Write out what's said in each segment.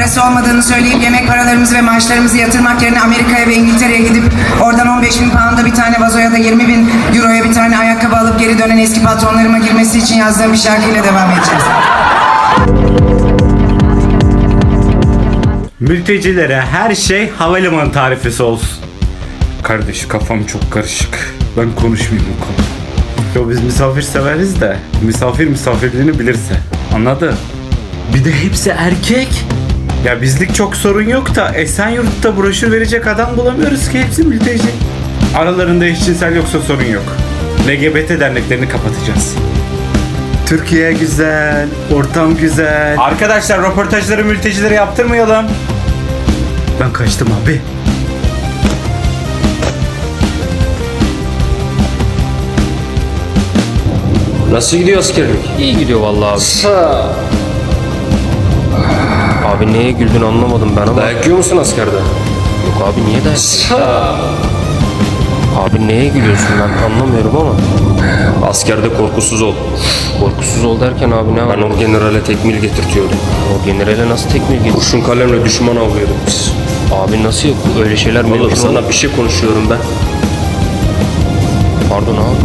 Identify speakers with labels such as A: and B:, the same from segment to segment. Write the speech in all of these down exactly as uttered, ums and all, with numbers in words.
A: Parası olmadığını söyleyip yemek paralarımızı ve maaşlarımızı yatırmak yerine Amerika'ya ve İngiltere'ye gidip oradan on beş bin pound'a bir tane vazoya da yirmi bin euroya bir tane ayakkabı alıp geri dönen eski patronlarıma girmesi için yazdığım bir şarkıyla devam edeceğiz.
B: Mültecilere her şey havalimanı tarifesi olsun. Kardeş kafam çok karışık. Ben konuşmayayım bu konuda. Yo biz misafir severiz de misafir misafirliğini bilirse. Anladın? Bir de hepsi erkek. Ya bizlik çok sorun yok da Esenyurt'ta broşür verecek adam bulamıyoruz ki, hepsi mülteci. Aralarında eşcinsel yoksa sorun yok. L G B T derneklerini kapatacağız. Türkiye güzel, ortam güzel. Arkadaşlar röportajları mültecilere yaptırmayalım. Ben kaçtım abi.
C: Nasıl gidiyor askerlik?
D: İyi gidiyor vallahi abi.
C: Sa.
D: Abi neye güldün anlamadım ben ama.
C: Dayak yiyor musun askerde?
D: Yok abi niye dayak?
C: Sa.
D: Abi neye gülüyorsun ben anlamıyorum ama.
C: Askerde korkusuz ol.
D: Korkusuz ol derken abi ne var?
C: Ben o generale tekmil getirtiyordum.
D: O generale nasıl tekmil getir?
C: Kurşun kalemle düşman avlıyorduk biz.
D: Abi nasıl yok öyle şeyler
C: Oğlum
D: mümkün
C: sana
D: olur?
C: bir şey konuşuyorum ben.
D: Pardon abi.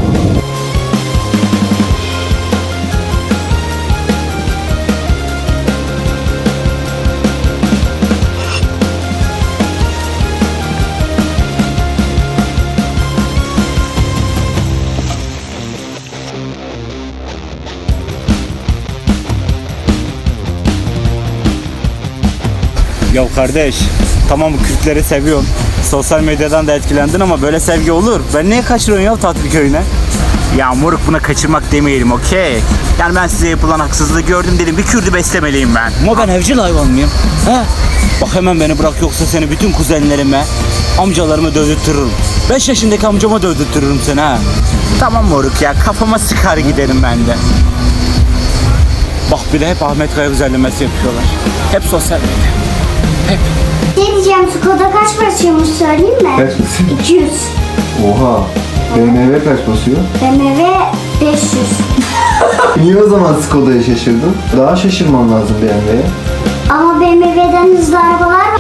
B: Ya kardeş, tamam Kürtleri seviyorsun. Sosyal medyadan da etkilendin ama böyle sevgi olur. Ben niye kaçırıyorsun ya tatil köyüne? Ya moruk buna kaçırmak demeyelim, okey. Yani ben size yapılan haksızlığı gördüm dedim, bir Kürt'ü beslemeliyim ben. Ama ben evcil hayvan mıyım? He? Bak hemen beni bırak yoksa seni bütün kuzenlerime, amcalarıma dövdürtürürüm. beş yaşındaki amcama dövdürtürürüm seni ha. Tamam moruk ya, kafama sıkar giderim ben de. Bak bir de hep Ahmet Kaya özellemesi yapıyorlar. Hep sosyal medya. Hep.
E: Ne diyeceğim, Skoda kaç basıyormuş söyleyeyim mi?
F: Kaç basıyor?
E: iki yüz.
F: Oha. B M W kaç basıyor?
E: B M W beş yüz.
F: Niye o zaman Skoda'ya şaşırdın? Daha şaşırman lazım B M W'ye.
E: Ama B M W'den hızlı arabalar var.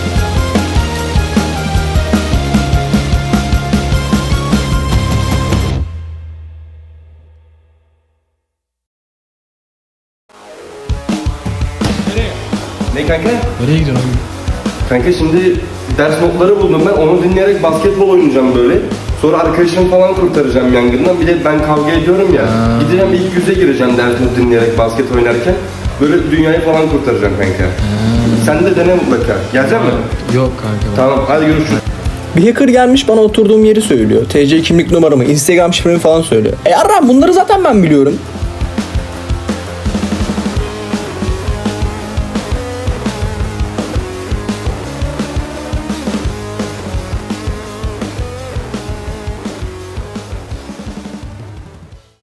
C: Ne kanka?
G: Nereye gidiyorsun abi?
C: Kanka şimdi ders notları buldum ben. Onu dinleyerek basketbol oynayacağım böyle. Sonra arkadaşımı falan kurtaracağım yangından. Bir de ben kavga ediyorum ya.
G: Ha.
C: Gideceğim ilk yüze gireceğim ders notu dinleyerek basket oynarken. Böyle dünyayı falan kurtaracağım kanka. Sen de dene mutlaka. Gelecek mi?
G: Yok kanka.
C: Tamam hadi görüşürüz.
H: Bir hacker gelmiş bana oturduğum yeri söylüyor. T C kimlik numaramı, Instagram şifremi falan söylüyor. E yarram bunları zaten ben biliyorum.